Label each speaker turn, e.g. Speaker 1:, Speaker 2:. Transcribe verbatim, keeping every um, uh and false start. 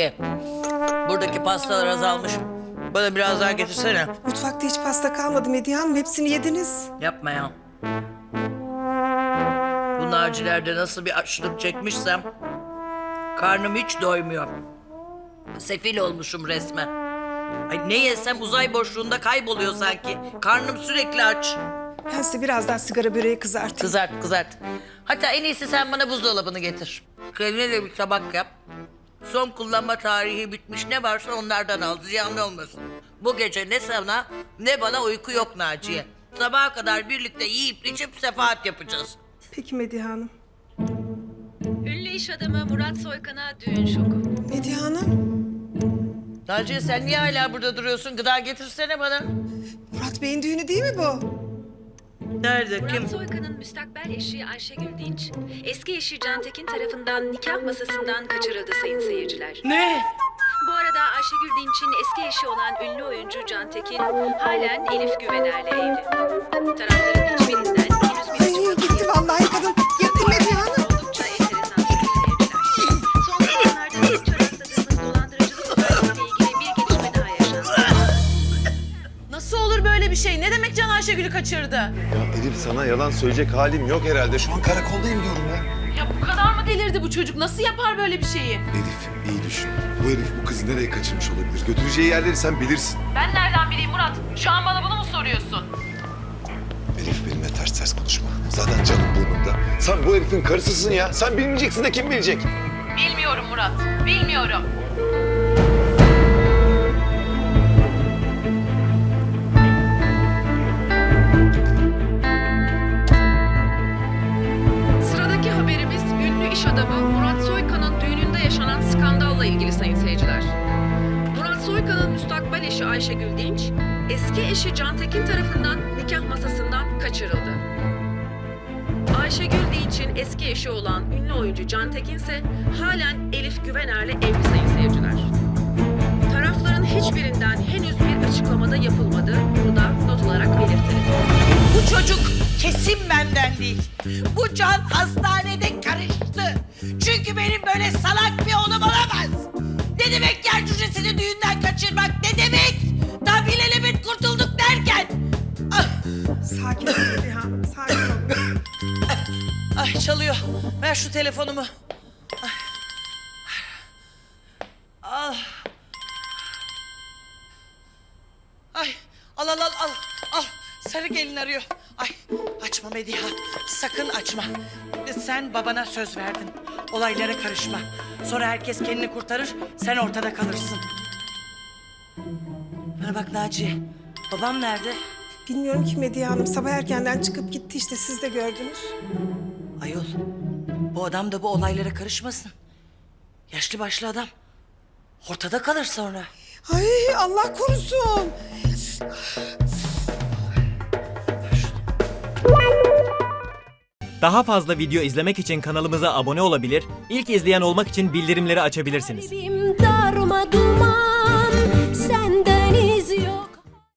Speaker 1: Naciye, buradaki pastalar azalmış. Bana biraz daha getirsene.
Speaker 2: Mutfakta hiç pasta kalmadı Medya Hanım. Hepsini yediniz.
Speaker 1: Yapma ya. Bu Naciler'de nasıl bir açlık çekmişsem... karnım hiç doymuyor. Sefil olmuşum resmen. Ay ne yesem uzay boşluğunda kayboluyor sanki. Karnım sürekli aç.
Speaker 2: Ben size birazdan sigara böreği kızartayım.
Speaker 1: Kızart kızart. Hatta en iyisi sen bana buzdolabını getir. Kendine de bir tabak yap. Son kullanma tarihi bitmiş ne varsa onlardan al. Ziyanlı olmasın. Bu gece ne sana ne bana uyku yok Naciye. Sabaha kadar birlikte yiyip içip sefahat yapacağız.
Speaker 2: Peki Medya Hanım.
Speaker 3: Ünlü iş adamı Murat Soykan'a düğün şoku.
Speaker 2: Medya Hanım.
Speaker 1: Naciye sen niye hala burada duruyorsun? Gıda getirsene bana.
Speaker 2: Murat Bey'in düğünü değil mi bu?
Speaker 1: Nerede? Kim?
Speaker 3: Murat Soykan'ın müstakbel eşi Ayşegül Dinç, eski eşi Cantekin tarafından nikah masasından kaçırıldı sayın seyirciler.
Speaker 1: Ne?
Speaker 3: Bu arada Ayşegül Dinç'in eski eşi olan ünlü oyuncu Cantekin halen Elif Güvener'le evli. Tarafların hiçbirinden henüz bir
Speaker 2: Ay gitti vallahi kadın. Gitti Medya Hanım.
Speaker 3: oldukça enteresan sayın seyirciler. Son zamanlarda sıkça rastladığımız dolandırıcılık olaylarıyla ilgili bir gelişme daha yaşandı.
Speaker 4: Nasıl olur böyle bir şey? Ne demek Can Ayşegül'ü kaçırdı?
Speaker 5: Ya Elif sana yalan söyleyecek halim yok herhalde. Şu an karakoldayım diyorum ya.
Speaker 4: Ya bu kadar mı delirdi bu çocuk? Nasıl yapar böyle bir şeyi?
Speaker 5: Elif iyi düşün. Bu herif bu kızı nereye kaçırmış olabilir? Götüreceği yerleri sen bilirsin.
Speaker 4: Ben nereden bileyim Murat? Şu an bana bunu mu soruyorsun?
Speaker 5: Elif benimle ters ters konuşma. Zaten canım burnumda. Sen bu herifin karısısın ya. Sen bilmeyeceksin de kim bilecek?
Speaker 4: Bilmiyorum Murat. Bilmiyorum.
Speaker 3: Sıradaki haberimiz ünlü iş adamı Murat Soykan'ın düğününde yaşanan skandalla ilgili sayın seyirciler. Murat Soykan'ın müstakbel eşi Ayşegül Dinç, eski eşi Cantekin tarafından nikah masasından kaçırıldı. Ayşegül Dinç'in eski eşi olan ünlü oyuncu Cantekin ise halen Elif Güvener'le evli sayın seyirciler. Tarafların hiçbirinden henüz bir açıklamada yapılmadı. Bunu da not olarak belirtelim.
Speaker 1: Bu çocuk kesin benden değil. Bu Can hastanede karıştı. Çünkü benim böyle salak bir oğlum olamaz. Ne demek yer cücesini düğünden kaçırmak? Ne demek? Daha bilelebet kurtulduk derken. Ah,
Speaker 2: Sakin ol Medya Hanım. Sakin ol.
Speaker 1: ay çalıyor. Ver şu telefonumu. Ay. Al. Ay al al al al. Al. Sarı gelin arıyor. Ay açma Medya. Sakın açma. Sen babana söz verdin. Olaylara karışma. Sonra herkes kendini kurtarır. Sen ortada kalırsın. Bana bak Naciye. Babam nerede?
Speaker 2: Bilmiyorum ki Medya Hanım. Sabah erkenden çıkıp gitti işte. Siz de gördünüz.
Speaker 1: Ayol. Bu adam da bu olaylara karışmasın. Yaşlı başlı adam. Ortada kalır sonra.
Speaker 2: Ay Allah korusun.
Speaker 6: Daha fazla video izlemek için kanalımıza abone olabilir, ilk izleyen olmak için bildirimleri açabilirsiniz.
Speaker 7: Kalbim darma duman.